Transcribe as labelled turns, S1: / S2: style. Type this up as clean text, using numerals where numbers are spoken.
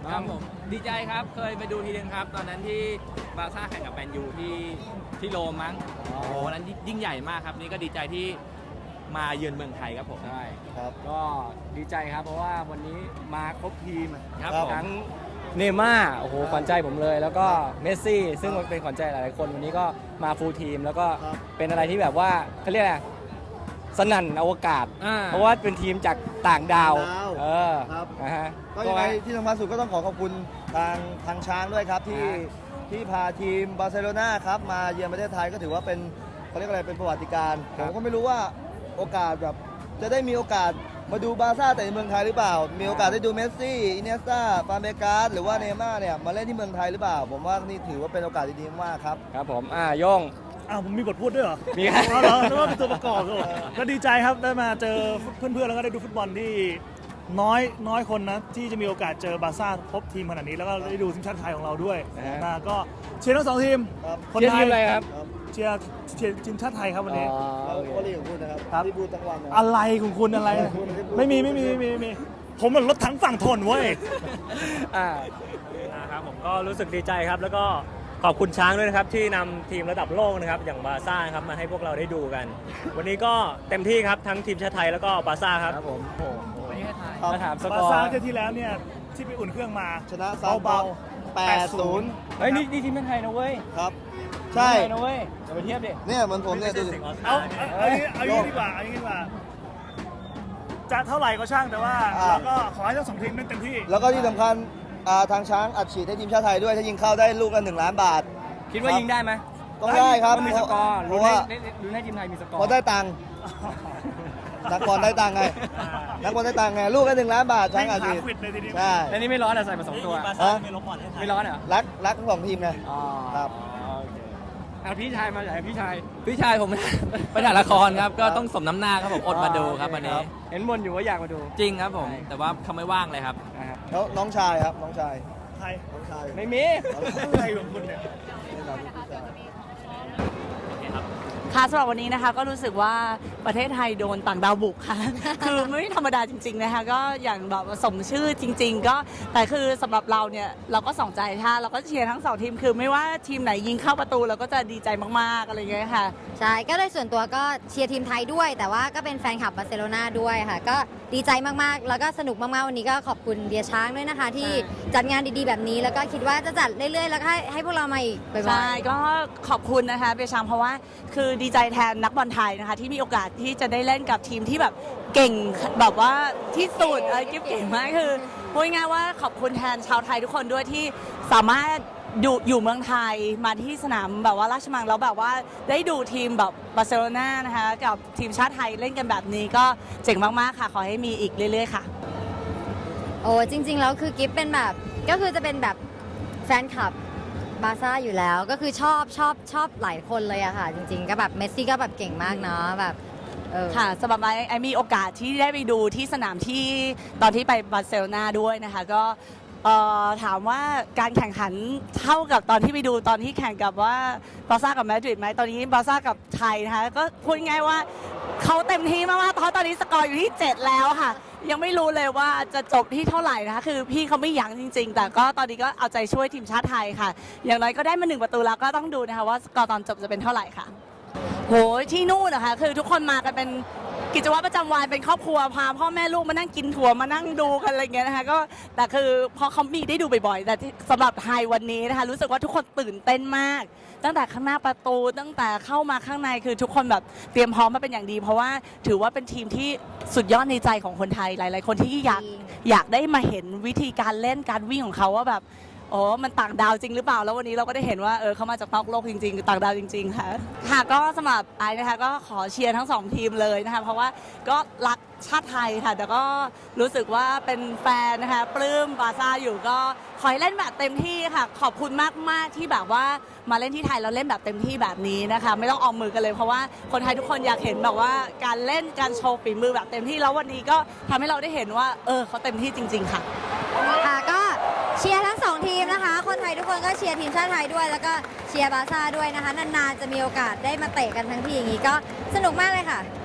S1: ครับผมดีใจครับเคยไปดูทีนึงครับตอนนั้นที่บาร์ซ่าแข่งกับแมนยูที่โรมมั้งโอ้โหนั้นยิ่งใหญ่มากครับนี่ก็ดีใจที่มาเยือนเมืองไทยครับผม
S2: ใช่
S3: ครับ
S2: ก็ดีใจครับเพราะว่าวันนี้มาครบทีม
S1: ครับผม
S2: ทั้งเนย์ม่าร์โอ้โหขวัญใจผมเลย แล้วก็เมสซี่ซึ่งเป็นขวัญใจหลายๆคนวันนี้ก็มาฟูลทีม แล้วก็
S3: ครับ
S2: เป็นอะไรที่แบบว่าเขาเรียกอะไรสนั่นอวกาศ
S1: อ่า
S2: เพราะว่าเป็นทีมจากต่างดาว เออ
S3: ครับ
S2: นะฮะ
S3: ก็ยังไงที่สำคัญสุดก็ต้องขอบคุณทางช้างด้วยครับที่พาทีมบาร์เซโลนาครับมาเยือนประเทศไทยก็ถือว่าเป็นเขาเรียกอะไรเป็นประวัติการณ์ผมก็ไม่รู้ว่าโอกาสแบบจะได้มีโอกาสมาดูบาร์ซ่าแต่ในเมืองไทยหรือเปล่า มีโอกาสได้ดูเมสซี่อินเนสตาฟานเบกาสหรือว่าเนย์ม่าร์เนี่ยมาเล่นที่เมืองไทยหรือเปล่า ผมว่านี่ถือว่าเป็นโอกาสดีๆมากครับ
S2: ครับผมโยง
S4: อ้าวผมมีบทพูดด้วยเหรอ
S2: มีครับ
S4: อ๋อเหรอนึกว่าเป็นตัวประกอบด้วยก็ดีใจครับได้มาเจอเพื่อนๆแล้วก็ได้ดูฟุตบอลที่น้อยคนนะที่จะมีโอกาสเจอบาร์ซ่าพบทีมขนาดนี้แล้วก็ได้ดูทีมชาติไทยของเราด้วย
S2: นะฮะ
S4: นะก็เชียร์ทั้งสองทีม
S3: ครับ
S4: คน
S2: เชียร์
S4: ไท
S2: ที
S4: ย
S2: มอะไรครับ
S4: เชียร์ทีมชาติไทยครับวันนี้
S3: เรา
S2: โอเค
S3: ก็เรียกพูดนะครับ
S4: ครับ
S3: ที่พูดทั้งวันนะ
S4: อะไรของคุณอะไร ไม่มีผมมันรถถังฝั่งทนเว้ย
S2: อ่า
S5: นะครับผมก็รู้สึกดีใจครับแล้วก็ขอบคุณช้างด้วยนะครับที่นำทีมระดับโลกนะครับอย่างบาร์ซ่าครับมาให้พวกเราได้ดูกัน วันนี้ก็เต็มที่ครับทั้งทีมชาติไทยแล้วก็บาร์ซ่าครับ
S2: ครับผมโอ้โห
S3: ครับ
S2: มาถามส
S4: บาก
S2: อ
S4: ร์
S2: ร์
S4: ซ่าเที่ยวที่แล้วเนี่ยที่ไปอุ่นเครื่องมา
S3: ชนะซาวเบา
S4: 8-0
S2: เฮ้ยนี่ทีมไทยนะเว้ย
S3: 8-0 ครับ ใช่
S2: ทีมไทยนะเว้ยอย่าไปเทียบดิ
S3: เนี่ยเหมือนผมเนี่ยดูสิ
S4: เอาอย่างนี้ดีกว่าจะเท่าไหร่ก็ช่างแต่ว่าเราก็ขอให้ทั้งสองทีมเล่นเต็มที่
S3: แล้วก็ที่สำคัญทางช้างอัดฉีดให้ทีมชาติไทยด้วย ถ้ายิงเข้าได้ลูกละ1 ล้านบาท
S2: คิดว่ายิงได้ไหม
S3: ต้องได้ครับ
S2: มันมีสกอร์
S3: เพ
S2: รู้
S3: ราะ
S2: ให้
S3: ว่า
S2: รู้ให้ทีมไทยมีสกอร์
S3: พอได้ตังค์นักบอลได้ตังค์ไงนักบอลได้ตังค์ไงลูกละ1 ล้านบาทช้างอัดฉีด
S4: วิ่งหาควิดเลยทีเดียว
S3: ใช่
S2: แล้วนี่ไม่ร้อนเหรอใส่มา2ตัว
S3: ฮะ
S2: ไม่ร้อนเหรอ
S3: รักทั้งสองทีมไง
S2: อ๋อ
S3: ครับ
S2: โอเคพี่ชายมาจากพี่ชาย
S1: พี่ชายผม ไปถ่ายละครครับก็ต้องสมน้ำหน้าครับผมอดมาดูครับวันนี้
S2: เห็นบนอยู่ว่าอยากมาดู
S1: จริงครับผมแต่ว่าเขาไม่ว่างเลยครับ
S2: นะครับ
S3: แล้วน้องชายครับน้องชาย
S4: ใคร
S3: น้องชาย
S2: ไม่มี
S4: อะไรของคุณเนี่ย
S6: ค่ะสำหรับวันนี้นะคะก็รู้สึกว่าประเทศไทยโดนต่างดาวบุกค่ะ คือไม่ธรรมดาจริงๆนะคะก็อย่างแบบสมชื่อจริง ๆ ก็แต่คือสำหรับเราเนี่ยเราก็ส่องใจค่ะเราก็เชียร์ทั้งสองทีมคือไม่ว่าทีมไหนยิงเข้าประตูเราก็จะดีใจมากๆอะไรอย่างเงี้ยค่ะ
S7: ใช่ ก็เลยส่วนตัวก็เชียร์ทีมไทยด้วย แต่ว่าก็เป็นแฟนคลับบาร์เซโลนาด้วยค่ะ ก็ดีใจมากๆ แล้วก็สนุกมากๆ วันนี้ก็ขอบคุณเดียช้างด้วยนะคะ ที่จัดงานดีๆ แบบนี้ แล้วก็คิดว่าจะจัดเรื่อยๆ แล้วก็ให้พวกเรามาอีกบ่อยๆ
S6: ใช่ก็ขอบคุณนะคะเปียชังเพราะว่าคือดีใจแทนนักบอลไทยนะคะที่มีโอกาสที่จะได้เล่นกับทีมที่แบบเก่งแบบว่าที่สุดกิ๊บเก่งมากคือพูดง่ายๆว่าขอบคุณแทนชาวไทยทุกคนด้วยที่สามารถอยู่เมืองไทยมาที่สนามแบบว่าราชมังแล้วแบบว่าได้ดูทีมแบบบาร์เซโลนานะคะกับทีมชาติไทยเล่นกันแบบนี้ก็เจ๋งมากๆค่ะขอให้มีอีกเรื่อยๆค่ะ
S7: โอ้จริงๆ แล้วคือกิฟเป็นแบบก็คือจะเป็นแบบแฟนคลับบาร์ซ่าอยู่แล้ว ก็คือชอบหลายคนเลยอะค่ะ จริงๆ ก็แบบเมสซี่ก็แบบเก่งมากเนาะแบบ
S6: ค่ะสำหรับไอมีโอกาสที่ได้ไปดูที่สนามที่ตอนที่ไปบาร์เซโลนาด้วยนะคะก็ถามว่าการแข่งขันเท่ากับตอนที่ไปดูตอนที่แข่งกับว่าบาร์ซ่ากับมาดริดไหมตอนนี้บาร์ซ่ากับไทยนะคะก็พูดง่ายว่าเขาเต็มที่มากๆเพราะตอนนี้สกอร์อยู่ที่ 7 แล้วค่ะ ยังไม่รู้เลยว่าจะจบที่เท่าไหร่นะคะคือพี่เขาไม่ยั้งจริง ๆ แต่ก็ตอนนี้ก็เอาใจช่วยทีมชาติไทยค่ะ อย่างน้อยก็ได้มา1 ประตูแล้วก็ต้องดูนะคะว่าสกอร์ตอนจบจะเป็นเท่าไหร่ค่ะโหที่นู่นนะคะคือทุกคนมากันเป็นกิจวัตรประจำวันเป็นครอบครัวพาพ่อแม่ลูกมานั่งกินถั่วมานั่งดูกันอะไรเงี้ยนะคะก็แต่คือพอเขามีได้ดูบ่อยๆแต่สำหรับไทยวันนี้นะคะรู้สึกว่าทุกคนตื่นเต้นมากตั้งแต่ข้างหน้าประตูตั้งแต่เข้ามาข้างในคือทุกคนแบบเตรียมพร้อมมาเป็นอย่างดี เพราะว่าถือว่าเป็นทีมที่สุดยอดในใจของคนไทยหลายๆคนที่อยากได้มาเห็นวิธีการเล่นการวิ่งของเขาว่าแบบโอ้มันต่างดาวจริงหรือเปล่าแล้ววันนี้เราก็ได้เห็นว่าเขามาจากนอกโลกจริงๆต่างดาวจริงๆค่ะค่ะก็สำหรับไอ้นะคะก็ขอเชียร์ทั้ง2ทีมเลยนะคะเพราะว่าก็รักชาติไทยค่ะแต่ก็รู้สึกว่าเป็นแฟนนะคะปลื้มบาร์ซ่าอยู่ก็ขอให้เล่นแบบเต็มที่ค่ะขอบคุณมากๆที่แบบว่ามาเล่นที่ไทยเราเล่นแบบเต็มที่แบบนี้นะคะไม่ต้องออมมือกันเลยเพราะว่าคนไทยทุกคนอยากเห็นแบบว่าการเล่นการโชว์ฝีมือแบบเต็มที่แล้ววันนี้ก็ทำให้เราได้เห็นว่าเขาเต็มที่จริงๆค่ะ
S7: ค่ะก็เชียร์ทั้ง2ทีมนะคะคนไทยทุกคนก็เชียร์ทีมชาติไทยด้วยแล้วก็เชียร์บาร์ซ่าด้วยนะคะนานๆจะมีโอกาสได้มาเตะกันทั้งทีอย่างนี้ก็สนุกมากเลยค่ะ